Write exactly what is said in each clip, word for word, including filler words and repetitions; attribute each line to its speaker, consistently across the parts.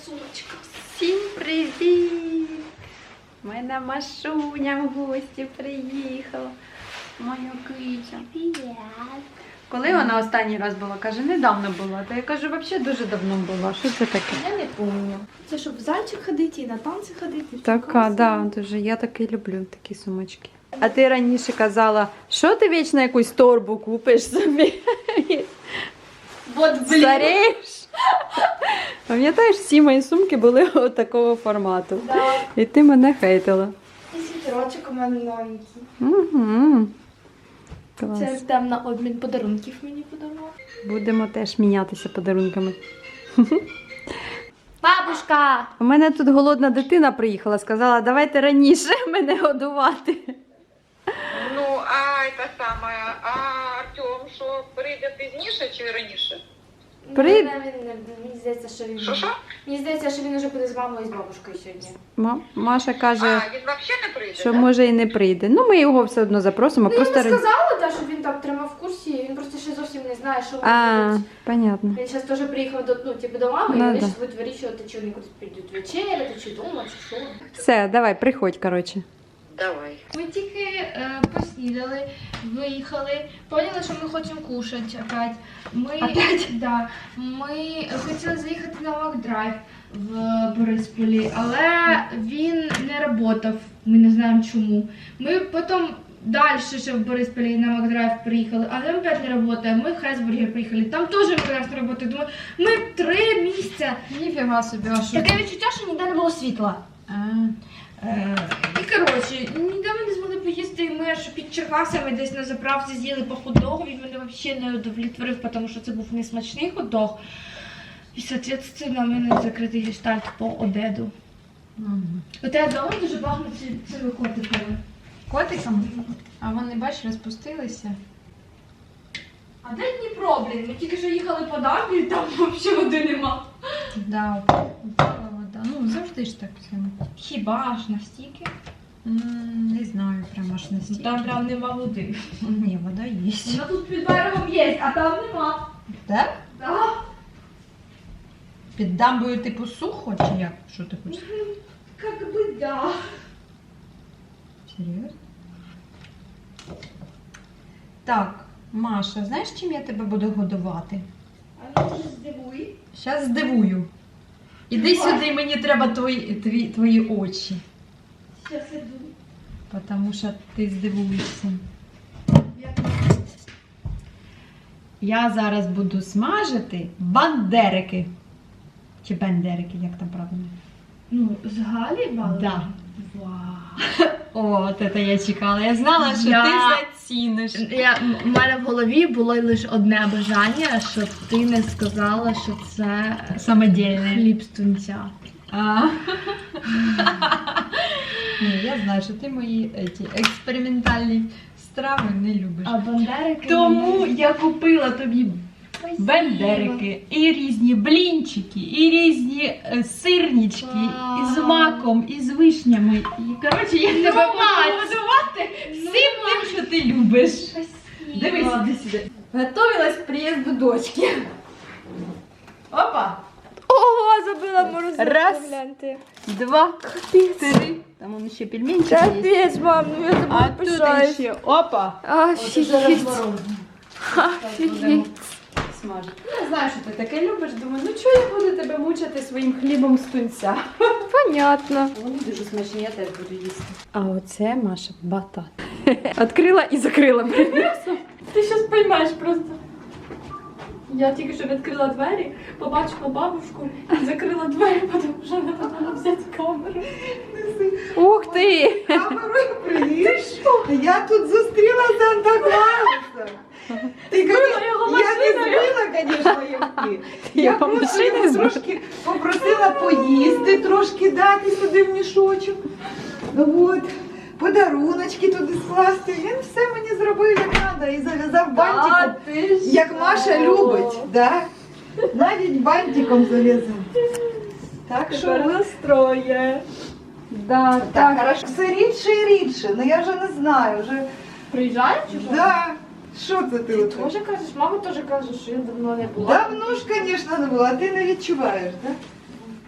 Speaker 1: сумочка.
Speaker 2: Всім привіт! Моя Машуня в гості приїхала. Моя киця.
Speaker 1: Привіт.
Speaker 2: Коли вона останній раз була? Каже, недавно була. Та я кажу, взагалі дуже давно була. Що це таке?
Speaker 1: Я не пам'ятаю. Це щоб в зальчик ходити і на танці ходити.
Speaker 2: Така, да, дуже. Я таки люблю такі сумочки. А ти раніше казала, що ти вічно якусь торбу купиш собі?
Speaker 1: Вот, блін.
Speaker 2: Старієш? Пам'ятаєш, всі мої сумки були от такого формату.
Speaker 1: Да.
Speaker 2: І ти мене хейтила.
Speaker 1: І світерочок у мене новенький.
Speaker 2: Угу. Клас.
Speaker 1: Це там на обмін подарунків мені подарував.
Speaker 2: Будемо теж мінятися подарунками.
Speaker 1: Бабушка!
Speaker 2: У мене тут голодна дитина приїхала, сказала, давайте раніше мене годувати.
Speaker 3: Ну, а це саме, а Артем, що прийде пізніше чи раніше?
Speaker 2: При-
Speaker 1: Ну, він, мені здається, що він...
Speaker 3: Що, що?
Speaker 1: Мені здається, що він вже буде з мамою і з бабушкою сьогодні.
Speaker 2: Ма- Маша каже,
Speaker 3: А, він взагалі не прийде,
Speaker 2: що
Speaker 3: да?
Speaker 2: може і не прийде. Ну, ми його все одно запросимо.
Speaker 1: Ну, я
Speaker 2: просто...
Speaker 1: не сказала, да, що він так тримав в курсі, він просто ще зовсім не знає, що вони
Speaker 2: А,
Speaker 1: будуть.
Speaker 2: понятно.
Speaker 1: Він зараз теж приїхав до, ну, типу, до мами,
Speaker 2: Ну,
Speaker 1: і вони
Speaker 2: да.
Speaker 1: зараз будуть вирішувати, чи вони кудись підуть вечеряти, чи вдома, чи що.
Speaker 2: Все, давай, приходь, коротше.
Speaker 3: Давай.
Speaker 1: Ми тільки е, поснідали, виїхали, поняли, що ми хочемо кушати опять. Ми,
Speaker 2: Опять?
Speaker 1: Да, ми хотіли заїхати на Макдрайв в Борисполі, але він не працював, ми не знаємо чому. Ми потім далі ще в Борисполі на Макдрайв приїхали, а там опять не працює. Ми в Хесбургер приїхали, там теж Макдрайв не працює. Думаю, ми три місця.
Speaker 2: Ніфіга собі, а що?
Speaker 1: Таке відчуття, що ніде не було світла.
Speaker 2: А,
Speaker 1: Е, І коротше, ніде ми не змогли поїсти, і ми аж під Черкасами десь на заправці з'їли по хот-догу, він мене взагалі не удовлетворив, тому що це був несмачний хот-дог. І, соответственно, в мене закритий гештальт по обіду.
Speaker 2: угу.
Speaker 1: У тебе вдома дуже багато ці- цими котиками.
Speaker 2: Котиком? А вони, бачиш, розпустилися.
Speaker 1: А де Дніпро, блін? Ми тільки що їхали по дамбі, і там взагалі води нема.
Speaker 2: Да, упала вода. Ну, завжди ж так все.
Speaker 1: Хіба ж настільки?
Speaker 2: М, Не знаю, прямо аж настільки.
Speaker 1: Там прям нема води.
Speaker 2: Ні, вода є.
Speaker 1: Вона тут під берегом є, а там нема.
Speaker 2: Так?
Speaker 1: Так.
Speaker 2: Під дамбою типу сухо чи як? Що ти хочеш?
Speaker 1: Как би да.
Speaker 2: Серйозно? Так, Маша, знаєш, чим я тебе буду годувати?
Speaker 1: А ну ж здивуй.
Speaker 2: Зараз здивую. Іди сюди, мені треба твої, твої, твої очі.
Speaker 1: Сейчас иду.
Speaker 2: Тому що ти здивуєшся.
Speaker 1: Я...
Speaker 2: Я зараз буду смажити бандерики. Чи бендерики, як там правильно?
Speaker 1: Ну, з Галі бали?
Speaker 2: Да.
Speaker 1: Вау.
Speaker 2: О, от це я чекала. Я знала, що
Speaker 1: Я-
Speaker 2: ти заціниш.
Speaker 1: Я, у мене в голові було лише одне бажання, щоб ти не сказала, що це
Speaker 2: Самодільне.
Speaker 1: хліб з тунця.
Speaker 2: А. Ні, я знаю, що ти мої еті, експериментальні страви не любиш.
Speaker 1: А бандерики...
Speaker 2: Тому
Speaker 1: мені-
Speaker 2: я купила тобі
Speaker 1: Спасибо.
Speaker 2: бендерики, і різні блінчики, і різні е, сирнички,
Speaker 1: Вау.
Speaker 2: і з маком, і з вишнями. І, коротше, я тебе буду
Speaker 1: мать.
Speaker 2: годувати
Speaker 1: Ну,
Speaker 2: всім тим, що ти любиш.
Speaker 1: Спасибо.
Speaker 2: Дивись, іди сюди. Готовилась к приїзду дочки. Опа!
Speaker 1: Ого, забила морозилку,
Speaker 2: Раз.
Speaker 1: гляньте.
Speaker 2: Два, три. Там он ще пельменчик є.
Speaker 1: Капець, мам, ну я
Speaker 2: А
Speaker 1: тобі
Speaker 2: тут
Speaker 1: пишаюсь.
Speaker 2: ще, опа!
Speaker 1: Офігеть.
Speaker 2: Офігеть. Смажити. Я знаю, що ти таке любиш. Думаю, ну чого я буду тебе мучити своїм хлібом з тунця?
Speaker 1: Понятно.
Speaker 2: Вони дуже смачні, я теж буду їсти. А оце Маша батат. Відкрила і закрила.
Speaker 1: Ти щас поймеш просто. Я тільки що відкрила двері, побачила бабушку і закрила двері, тому що не могла взяти камеру.
Speaker 2: Ух ти!
Speaker 4: Камерою привіт. Я тут зустріла Санта-Клауса. Ти,
Speaker 1: Збила його
Speaker 4: я не
Speaker 1: машиною.
Speaker 4: збила, звісно, його.
Speaker 2: Ти
Speaker 4: Я
Speaker 2: його
Speaker 4: просто
Speaker 2: машиною
Speaker 4: йому
Speaker 2: збила?
Speaker 4: трошки попросила поїсти, трошки дати сюди в мішочок. От. Подаруночки туди скласти. Він все мені зробив як треба і зав'язав бантиком,
Speaker 1: ти
Speaker 4: як Маша любить. Да? Навіть бантиком зав'язав. Так що
Speaker 1: Тепер настроє.
Speaker 2: Да,
Speaker 4: так, хорошо. Все рідше і рідше. Ну я вже не знаю. Вже...
Speaker 1: Приїжджають чи що?
Speaker 4: Да. Що це ти?
Speaker 1: Ти
Speaker 4: оце?
Speaker 1: теж кажеш, мама теж каже, що я давно не була.
Speaker 4: Давно ж, звісно, не було, а ти не відчуваєш, так?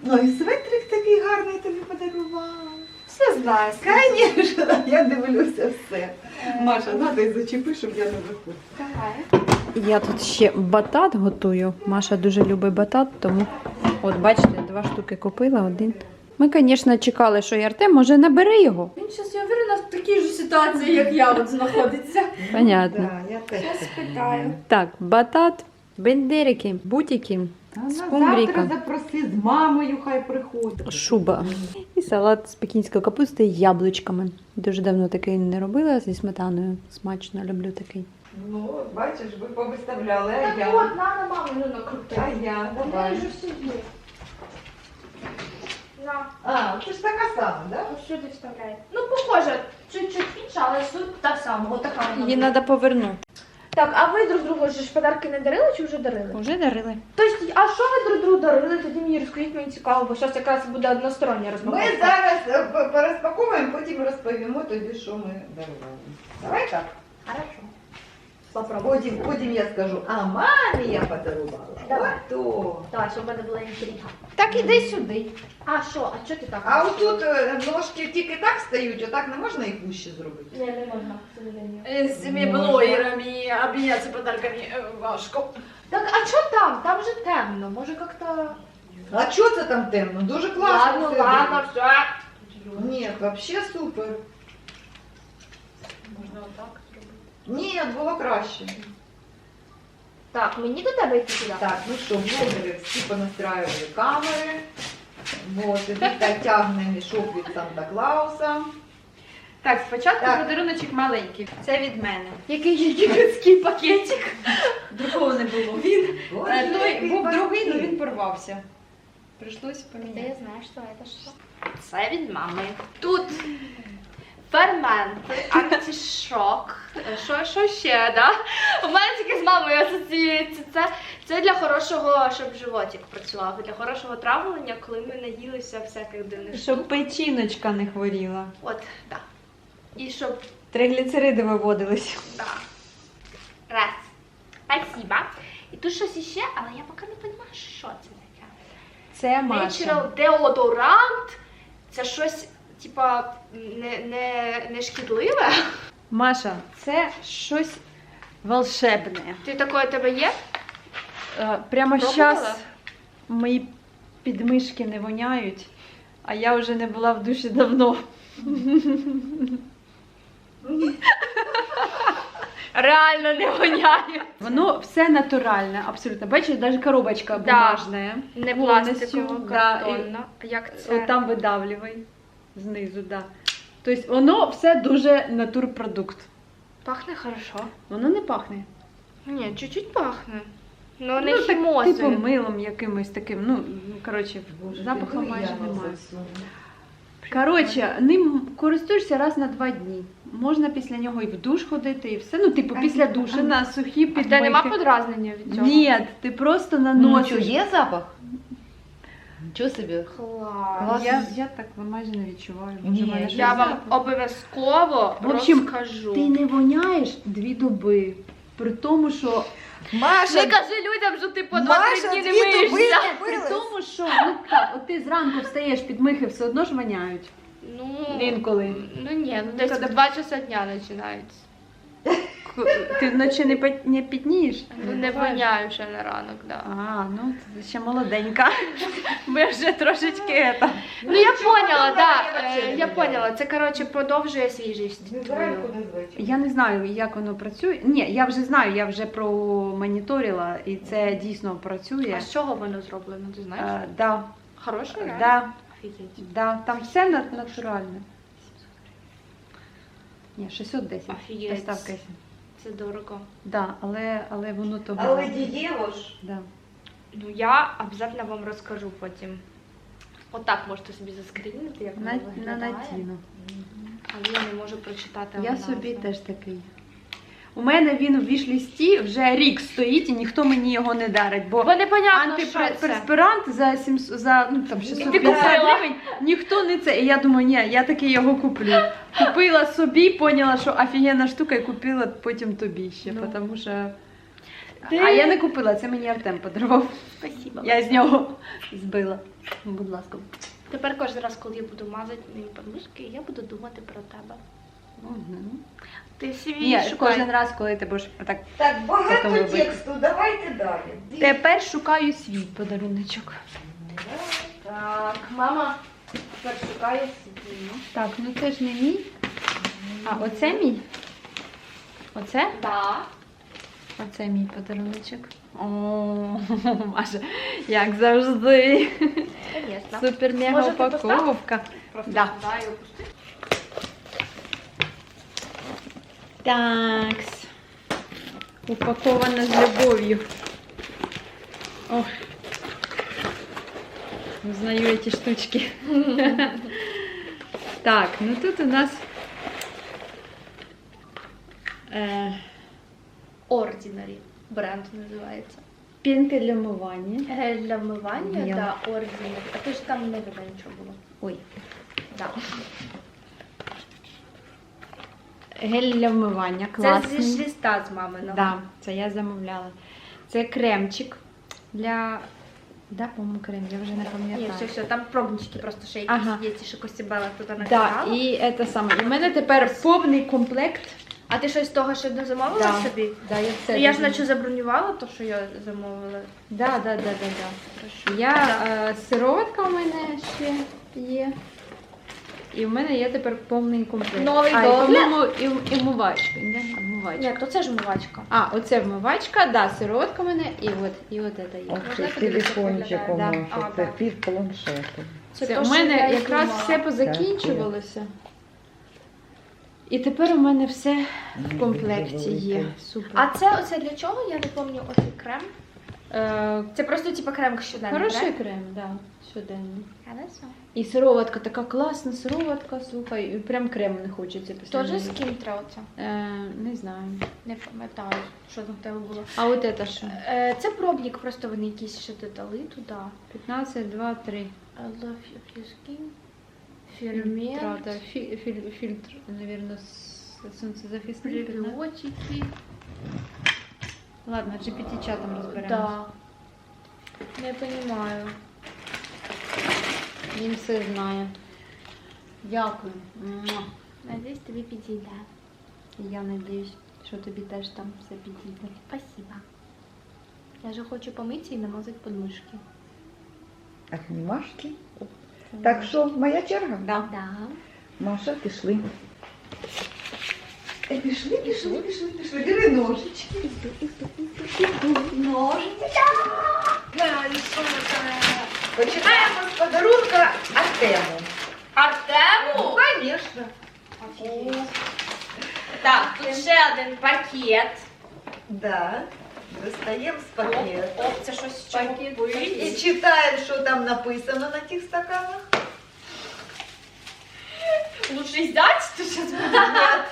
Speaker 4: Ну і светрик такий гарний тобі подарувала.
Speaker 2: Все знаю.
Speaker 4: Звісно, я дивлюся все. Маша, надо і зачепи, щоб я не виходила.
Speaker 2: Давай. Я тут ще батат готую. Маша дуже любить батат, тому от бачите, два штуки купила, один. Ми, звісно, чекали, що і Артем може набере його.
Speaker 1: Він зараз, я уверена, в такій ж ситуації, як я, от знаходиться.
Speaker 2: Понятно.
Speaker 4: Да, я теж
Speaker 1: Я
Speaker 4: так
Speaker 1: спитаю.
Speaker 4: думаю.
Speaker 2: Так, батат, бендерики, бутики,
Speaker 4: Та на
Speaker 2: скумбрійка.
Speaker 4: завтра запроси з мамою, хай приходить.
Speaker 2: Шуба. І салат з пекінської капусти з яблучками. Дуже давно такий не робила, зі сметаною. Смачно, люблю такий.
Speaker 4: Ну, от бачиш, ви повиставляли, а
Speaker 1: Так
Speaker 4: я.
Speaker 1: от, на, на маму ну, накрути.
Speaker 4: А я,
Speaker 1: Вона
Speaker 4: давай.
Speaker 1: вже собі. На,
Speaker 4: А, це ж така сама, да?
Speaker 1: ось сюди вставляє. Ну, похоже, чуть-чуть інша, але суть та сама, отака вона.
Speaker 2: Її
Speaker 1: буде.
Speaker 2: треба повернути.
Speaker 1: Так, а ви друг другу ж подарки не дарили чи вже дарили?
Speaker 2: Вже дарили.
Speaker 1: Тобто, а що ви друг другу дарили? Тоді мені розкажіть, мені цікаво, бо зараз якраз буде одностороння розмова.
Speaker 4: Ми зараз е, п- порозпаковуємо, потім розповімо тобі, що ми дарували. Давай так.
Speaker 1: Хорошо.
Speaker 4: Потім, потім я скажу, а мамі я подарувала.
Speaker 1: Давай.
Speaker 4: Ото.
Speaker 1: Так, щоб в мене була інтрига. Так, іди сюди. А що? А що ти так?
Speaker 4: А отут е, ножки тільки так стають, отак не можна їх вище зробити.
Speaker 1: Ні, не можна, к сожалению.
Speaker 2: З цими блогерами обмінятися подарками важко.
Speaker 1: Так, а що там? Там же темно. Може, як-то...
Speaker 4: А що це там темно? Дуже класно.
Speaker 1: Ладно,
Speaker 4: все
Speaker 1: ладно,
Speaker 4: буде.
Speaker 1: все.
Speaker 4: Ні, взагалі супер.
Speaker 2: Можна отак зробити.
Speaker 4: Ні, було краще.
Speaker 1: Так, мені до тебе йти сюди?
Speaker 4: Так, ну що, блогери всі понастраювали камери. Вот, і тут тягне мішок від Санта-Клауса.
Speaker 2: Так, спочатку
Speaker 4: Так.
Speaker 2: подаруночок маленький. Це від мене.
Speaker 1: Який єгипетський пакетик.
Speaker 2: Другого не було. Він
Speaker 4: Боже,
Speaker 2: е, той
Speaker 4: який
Speaker 2: був другий, але
Speaker 4: пакет.
Speaker 2: він порвався. Прийшлось
Speaker 1: Та
Speaker 2: поміняти.
Speaker 1: я знаю, що це що. Це від мами. Тут ферменти, антишок. Що, що ще, да? У мене тільки з мамою асоціюється. Це, це для хорошого, щоб животик працював. Для хорошого травлення, коли ми наїлися всяких дивних штук.
Speaker 2: Щоб печіночка не хворіла.
Speaker 1: От, так. І щоб
Speaker 2: Тригліцериди виводились.
Speaker 1: да. Раз. Спасибо. І тут щось іще, але я поки не розумію, що це таке.
Speaker 2: Це Маша.
Speaker 1: Natural деодорант. Це щось, типа, не, не, не шкідливе.
Speaker 2: Маша, це щось волшебне.
Speaker 1: Ти такое тебе є?
Speaker 2: Е, Прямо
Speaker 1: Пробувала?
Speaker 2: зараз мої підмишки не воняють, а я вже не була в душі давно.
Speaker 1: Реально не воняє.
Speaker 2: Воно все натуральне, абсолютно. Бачиш, навіть коробочка
Speaker 1: Да.
Speaker 2: бумажна.
Speaker 1: Не
Speaker 2: Повністю,
Speaker 1: пластикова,
Speaker 2: да, і-
Speaker 1: картонна. Як це?
Speaker 2: От там видавлювай знизу, да. Тобто воно все дуже натурпродукт.
Speaker 1: Пахне хорошо.
Speaker 2: Воно не пахне.
Speaker 1: Ні, чуть-чуть пахне. Ну, не
Speaker 2: Ну, так,
Speaker 1: хімозою.
Speaker 2: типу милом якимось таким. Ну, коротше, запаху майже немає. Коротше, ним користуєшся раз на два дні. Можна після нього і в душ ходити, і все. Ну, типу, після душу на сухі
Speaker 1: А в тебе нема
Speaker 2: підмийки.
Speaker 1: подразнення від цього?
Speaker 2: Ні, ти просто
Speaker 4: Ну,
Speaker 2: наносиш.
Speaker 4: є запах? Нічого собі.
Speaker 1: Клас.
Speaker 2: Я, я так майже не відчуваю.
Speaker 4: Ні,
Speaker 2: Може, в мене
Speaker 4: я
Speaker 2: щось
Speaker 1: Я вам
Speaker 2: запах?
Speaker 1: обов'язково
Speaker 2: В общем,
Speaker 1: розкажу.
Speaker 2: Ти не воняєш дві доби. При тому, що
Speaker 4: Маша,
Speaker 1: Не кажи людям, що ти по
Speaker 4: Маша,
Speaker 1: два-три дні не
Speaker 4: дві доби
Speaker 1: миєшся.
Speaker 4: не
Speaker 2: При
Speaker 4: милась.
Speaker 2: тому, що ну так, от ти зранку встаєш, підмихи все одно ж воняють.
Speaker 1: Ну,
Speaker 2: Інколи.
Speaker 1: ну ні, ну десь
Speaker 2: Коли-
Speaker 1: в два часа дня починаються.
Speaker 2: К- Ти вночі не пот- не пітнієш?
Speaker 1: Ну не воняю ще на ранок, да.
Speaker 2: А, ну ти ще молоденька. Ми вже трошечки ета.
Speaker 1: Ну я поняла,
Speaker 4: ну,
Speaker 1: да.
Speaker 4: я
Speaker 1: е,
Speaker 4: вообще не
Speaker 1: Я
Speaker 4: видела.
Speaker 1: поняла. Це коротше продовжує свіжість
Speaker 4: не
Speaker 1: твою.
Speaker 4: зранку, не звичайно.
Speaker 2: Я не знаю, як воно працює. Ні, я вже знаю, я вже промоніторила, і це дійсно працює.
Speaker 1: А з чого воно зроблено, ти знаєш?
Speaker 2: Е, да,
Speaker 1: Хороше, реально?
Speaker 2: да,
Speaker 1: Офігеть.
Speaker 2: да, там все на- натуральне. Ні, шістсот десять.
Speaker 1: Офігеть.
Speaker 2: Доставка.
Speaker 1: Це дорого.
Speaker 2: Да, але, але воно того.
Speaker 4: Але дієво ж.
Speaker 2: Да.
Speaker 1: Ну я обов'язково вам розкажу потім. Отак можете собі заскрінити, як воно
Speaker 2: На, на
Speaker 1: виглядає.
Speaker 2: натіну.
Speaker 1: Але я не можу прочитати.
Speaker 2: Я
Speaker 1: назву.
Speaker 2: собі теж такий. У мене він у віш-лісті вже рік стоїть і ніхто мені його не дарить, бо
Speaker 1: Бо непонятно, що це.
Speaker 2: антиперспирант за сімсот, за ну, там, шістсот
Speaker 1: Ти
Speaker 2: п'ятдесят
Speaker 1: купила?
Speaker 2: гривень, ніхто не це. І я думаю, ні, я таки його куплю. Купила собі, поняла, що офігенна штука, і купила потім тобі ще,
Speaker 1: Ну.
Speaker 2: тому що А я не купила, це мені Артем подарував.
Speaker 5: Спасибо.
Speaker 2: Я з нього збила. Будь ласка.
Speaker 5: Тепер кожен раз, коли я буду мазати мої подмишки, я буду думати про тебе.
Speaker 2: Угу.
Speaker 5: Ти свій
Speaker 2: Ні,
Speaker 5: шукай.
Speaker 2: кожен раз, коли ти будеш отак.
Speaker 4: Так, багато
Speaker 2: Потім робити.
Speaker 4: тексту, давайте далі.
Speaker 2: Тепер шукаю свій подаруночок.
Speaker 5: Так, мама тепер шукає свій.
Speaker 2: Так, ну це ж не мій. А, оце мій? Оце?
Speaker 5: Да.
Speaker 2: Оце мій подаруночок. О, Маша, як завжди.
Speaker 5: Звісно.
Speaker 2: Супер мега
Speaker 5: Може, ти
Speaker 2: упаковка.
Speaker 5: Просто
Speaker 2: Да.
Speaker 5: сюди і опусти.
Speaker 2: Такс. Упакована з любов'ю. Ох. Узнаю эти штучки. Так, ну тут у нас е,
Speaker 5: Ordinary бренд називається.
Speaker 2: пінка для вмивання.
Speaker 5: Гель для вмивання,
Speaker 2: Я.
Speaker 5: да, Ordinary. А то ж там не видно нічого було.
Speaker 2: Ой.
Speaker 5: Да.
Speaker 2: Гель для вмивання,
Speaker 5: Це
Speaker 2: класний.
Speaker 5: зі листа з маминого.
Speaker 2: Да, це я замовляла. Це кремчик для. Да, по-моєму, крем, я вже не
Speaker 5: Ні,
Speaker 2: пам'ятаю.
Speaker 5: все, все, там пробнички просто ще якісь
Speaker 2: Ага.
Speaker 5: є, ті, що Костібела туди
Speaker 2: Да,
Speaker 5: накидала.
Speaker 2: і це саме. І в мене тепер повний комплект.
Speaker 5: А ти щось з того ще не замовила
Speaker 2: Да.
Speaker 5: собі?
Speaker 2: Да, я все
Speaker 5: Ну, я ж
Speaker 2: дуже-
Speaker 5: наче забронювала то, що я замовила.
Speaker 2: Да, да, да, да, да.
Speaker 5: Хорошо.
Speaker 2: Я е, сироватка у мене ще є. І в мене є тепер повний комплект.
Speaker 5: Новий
Speaker 2: а, і,
Speaker 5: догляд?
Speaker 2: по-моєму, і, і вмивачка. Да? Вмивачка.
Speaker 5: Ні, то це ж вмивачка.
Speaker 2: А, оце вмивачка, да, сироватка в мене, і от, і от це є.
Speaker 6: Ох,
Speaker 5: Можна
Speaker 6: це
Speaker 5: я подивлюся,
Speaker 6: телефончик
Speaker 5: як
Speaker 6: у
Speaker 2: виглядає?
Speaker 6: Маші,
Speaker 5: Да.
Speaker 6: це
Speaker 5: А, так.
Speaker 6: під планшетом.
Speaker 2: Це,
Speaker 5: то,
Speaker 2: у
Speaker 5: що
Speaker 2: мене
Speaker 5: я й
Speaker 2: якраз
Speaker 5: думала.
Speaker 2: все позакінчувалося. І тепер у мене все в комплекті є. Супер.
Speaker 5: А це оце для чого? Я не пам'ятаю оцей крем.
Speaker 2: Е,
Speaker 5: Це просто типу крем щоденний,
Speaker 2: хороший
Speaker 5: крем?
Speaker 2: крем, да, щоденний.
Speaker 5: Хорошо.
Speaker 2: І сироватка така класна, сироватка, слухай, і прям крему не хочеться після
Speaker 5: Тоже
Speaker 2: неї.
Speaker 5: з кінтра оце?
Speaker 2: Е, не знаю.
Speaker 5: Не пам'ятаю, що там в тебе було.
Speaker 2: А от це що?
Speaker 5: Е, Це пробник, просто вони якісь ще додали туди.
Speaker 2: п'ятнадцять, два, три.
Speaker 5: I love your skin. Фермент.
Speaker 2: Фільтра, фі, філь, фільтр, мабуть, сонцезахисний. п'ятнадцять.
Speaker 5: Прибіотики.
Speaker 2: Ладно, джі пі ті чатом розберемось.
Speaker 5: Да. Не понимаю.
Speaker 2: Він все знає. Дякую. Муа.
Speaker 5: Надеюсь, тобі підійде.
Speaker 2: Я надіюсь, що тобі теж там все підійде.
Speaker 5: Спасибо. Я же хочу помитися і намазати подмишки.
Speaker 6: Обнімашки. Так що, моя черга?
Speaker 2: Да.
Speaker 5: Да.
Speaker 6: Маша, пішли.
Speaker 4: Е, Пішли, пішли, пішли, пішли. Диви ножички. Ножички. Починаємо з подарунка Артему.
Speaker 5: Артему?
Speaker 4: Ну, звісно.
Speaker 5: Так, тут ще один пакет.
Speaker 4: Да. Достаємо з пакету.
Speaker 5: Оп, це щось з чого
Speaker 4: І
Speaker 5: пить.
Speaker 4: читаємо, що там написано на тих стаканах.
Speaker 5: Лучше взять, то сейчас буде.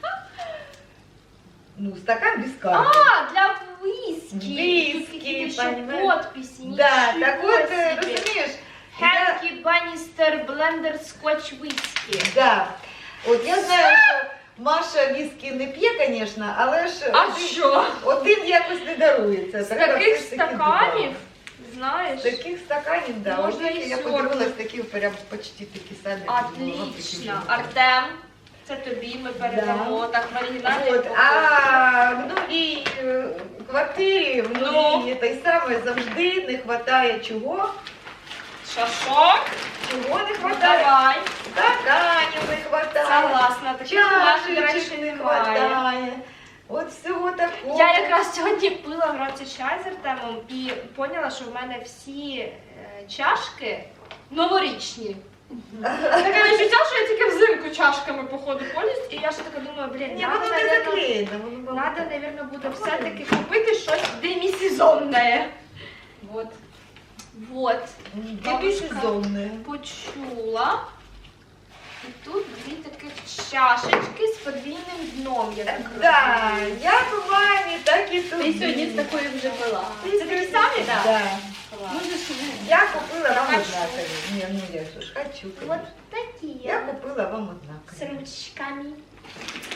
Speaker 4: Ну, стакан без карты.
Speaker 5: А, для виски.
Speaker 4: Виски,
Speaker 5: Тут какие-то еще
Speaker 4: понимаешь?
Speaker 5: подписи.
Speaker 4: Да,
Speaker 5: Ничего
Speaker 4: так вот, э,
Speaker 5: себе.
Speaker 4: розумієш, я,
Speaker 5: Хенкі Банністер Блендер Скотч Виски.
Speaker 4: да. От я знаю, що Маша віскі не п'є, звісно, але ж
Speaker 5: А
Speaker 4: один,
Speaker 5: що?
Speaker 4: один якось не дарується.
Speaker 5: З
Speaker 4: Треба
Speaker 5: таких
Speaker 4: все ж таки
Speaker 5: стаканів,
Speaker 4: два.
Speaker 5: знаєш,
Speaker 4: З таких стаканів, да.
Speaker 5: Можна
Speaker 4: От
Speaker 5: і
Speaker 4: я
Speaker 5: сьорбати.
Speaker 4: подивилась, такі прям почти такі самі.
Speaker 5: отлично. Артем, це тобі ми передамо так в оригінальній
Speaker 4: От,
Speaker 5: упаковці.
Speaker 4: а в новій е, квартирі, в
Speaker 5: Ну?
Speaker 4: новій той самої завжди не вистачає чого?
Speaker 5: Шашок.
Speaker 4: Чого не
Speaker 5: Ну,
Speaker 4: вистачає?
Speaker 5: давай.
Speaker 4: Стаканів не вистачає.
Speaker 5: Согласна, таких у нас
Speaker 4: Чашечок
Speaker 5: раніше
Speaker 4: не
Speaker 5: немає.
Speaker 4: хватає. От всього такого.
Speaker 5: Я якраз сьогодні пила вранці чай з Артемом і поняла, що в мене всі е, чашки новорічні. Таке відчуття, що я тільки взимку чашками походу ходять, і я ще така думаю, блін,
Speaker 4: Ні,
Speaker 5: надо,
Speaker 4: воно не
Speaker 5: наверно,
Speaker 4: заклеєно. Воно
Speaker 5: надо, наверно, буде все-таки купити щось демісезонне. Вот. Вот.
Speaker 4: демісезонне.
Speaker 5: Почула. І тут дві таких чашечки з подвійним дном. Я так
Speaker 4: Да,
Speaker 5: розумію.
Speaker 4: як у мамі, так і тут.
Speaker 5: Ти сьогодні з такою вже пила. Це такі самі?
Speaker 4: Да.
Speaker 5: Так.
Speaker 4: Я купила вам
Speaker 5: Хочу.
Speaker 4: однакові. Ні, ну я ж хочу.
Speaker 5: Вот
Speaker 4: конечно.
Speaker 5: такі.
Speaker 4: Я купила вам однакові.
Speaker 5: С ручками.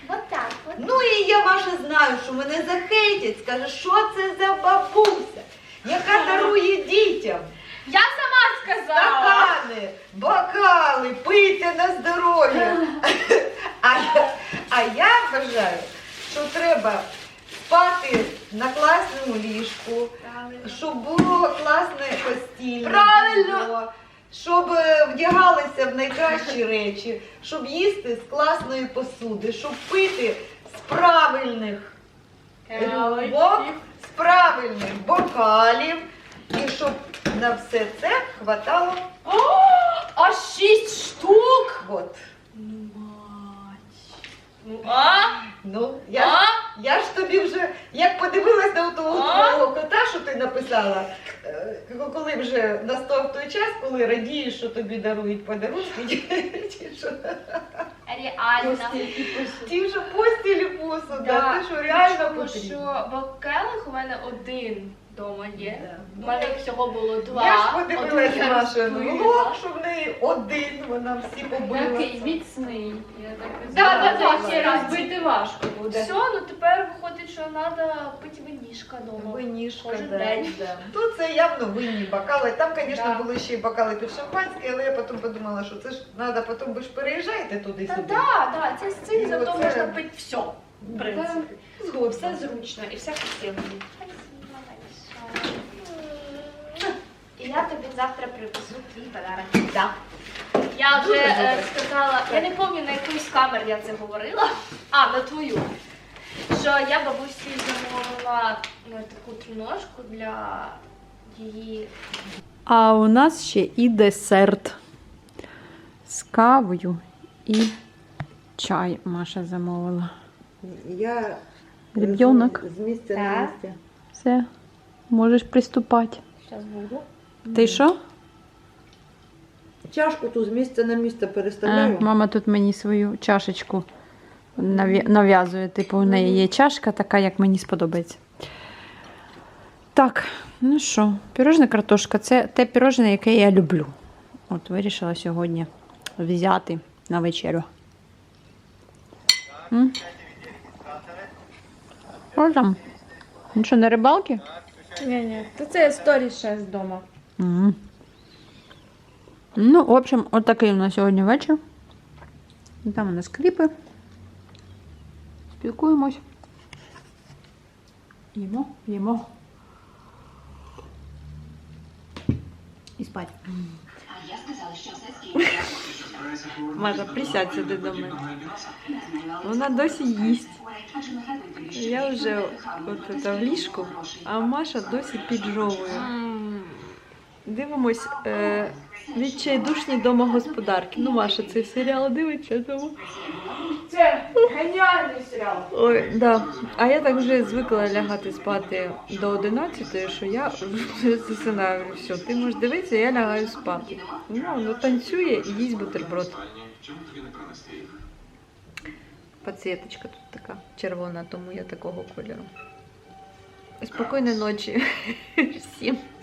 Speaker 5: Вот так от.
Speaker 4: Ну і я, Маша, знаю, що мене захейтять, скаже, що це за бабуся, яка дарує дітям
Speaker 5: Я сама сказала.
Speaker 4: стакани, бокали, пийте на здоров'я. А, я- а я вважаю, що треба спати на класному ліжку, щоб було класне постільне
Speaker 5: Правильно.
Speaker 4: белье, щоб е, вдягалися в найкращі речі, щоб їсти з класної посуди, щоб пити з правильних рюмок, з правильних бокалів, і щоб на все це хватало.
Speaker 5: Аж шість штук.
Speaker 4: От.
Speaker 5: Ну, а?
Speaker 4: Ну, я, ж-
Speaker 5: А?
Speaker 4: я ж тобі вже, як подивилась на того
Speaker 5: А?
Speaker 4: твого кота, що ти написала, е, коли вже настав той час, коли радієш, що тобі дарують подарунки, ті, що,
Speaker 5: Реально.
Speaker 4: ті, що постіль і посуда,
Speaker 5: Да.
Speaker 4: те, що реально
Speaker 5: Тому
Speaker 4: потрібно.
Speaker 5: що бокелих у мене один вдома є.
Speaker 4: Да.
Speaker 5: У мене всього було два.
Speaker 4: Я ж
Speaker 5: Один
Speaker 4: подивилася
Speaker 5: я
Speaker 4: Машин
Speaker 5: розбила.
Speaker 4: влог, що в неї один, вона всі побила.
Speaker 2: Такий міцний. Я так
Speaker 5: Да, да, да,
Speaker 2: ще
Speaker 5: ще раз.
Speaker 2: розбити важко буде.
Speaker 5: Все, ну тепер виходить, що треба пити винішка вдома.
Speaker 4: Винішка,
Speaker 5: Кожен
Speaker 4: да,
Speaker 5: день.
Speaker 4: да. Тут це явно винні бокали. Там, звісно,
Speaker 5: Да.
Speaker 4: були ще й бокали під шампанське, але я потім подумала, що це ж треба, потім ви ж переїжджаєте
Speaker 5: Та
Speaker 4: туди-сюди.
Speaker 5: да, да, це з цим
Speaker 4: І
Speaker 5: зато
Speaker 4: оце-
Speaker 5: можна пити все. В принципі.
Speaker 4: Згодна.
Speaker 5: Все зручно і все красиво. І я тобі завтра привезу твій подарунок.
Speaker 4: Да.
Speaker 5: Я вже
Speaker 4: Дуже
Speaker 5: е,
Speaker 4: добре.
Speaker 5: сказала, я не пам'ятаю, на якусь камер я це говорила. А, на твою. Що я бабусі замовила ну, таку триножку для її.
Speaker 2: А у нас ще і десерт з кавою і чай Маша замовила.
Speaker 4: Я
Speaker 2: Ребенок.
Speaker 4: з місця
Speaker 5: на
Speaker 4: на
Speaker 5: Так.
Speaker 4: місце.
Speaker 2: Все, можеш приступати.
Speaker 5: Зараз буду.
Speaker 2: Ти що?
Speaker 4: Чашку ту з місця на місце
Speaker 2: А,
Speaker 4: переставляю.
Speaker 2: мама тут мені свою чашечку нав'я- нав'язує. Типу, у неї є чашка така, як мені сподобається. Так, ну що, пірожне картошка це те пірожне, яке я люблю. От вирішила сьогодні взяти на вечерю. М? Що там? Ну що, на рибалки?
Speaker 1: Ні, ні, то це сторі ще з дому.
Speaker 2: Мгм. Ну, в общем, от такий у нас сьогодні вечір. Там у нас кліпи. Спілкуємось. Їмо, їмо. І спать. Маша, присядь сюди до мене. Вона досі їсть. Я вже от це в ліжку, а Маша досі піджовує. Дивимось е, відчайдушні домогосподарки. Ну, Маша, цей серіал дивиться, тому.
Speaker 5: Це геніальний серіал.
Speaker 2: Ой, да. А я так вже звикла лягати спати до одинадцятої, що я вже засинаю. Говорю, все, ти можеш дивитися, я лягаю спати. Ну, воно танцює і їсть бутерброд. Пацієточка тут така червона, тому я такого кольору. Спокійної ночі всім.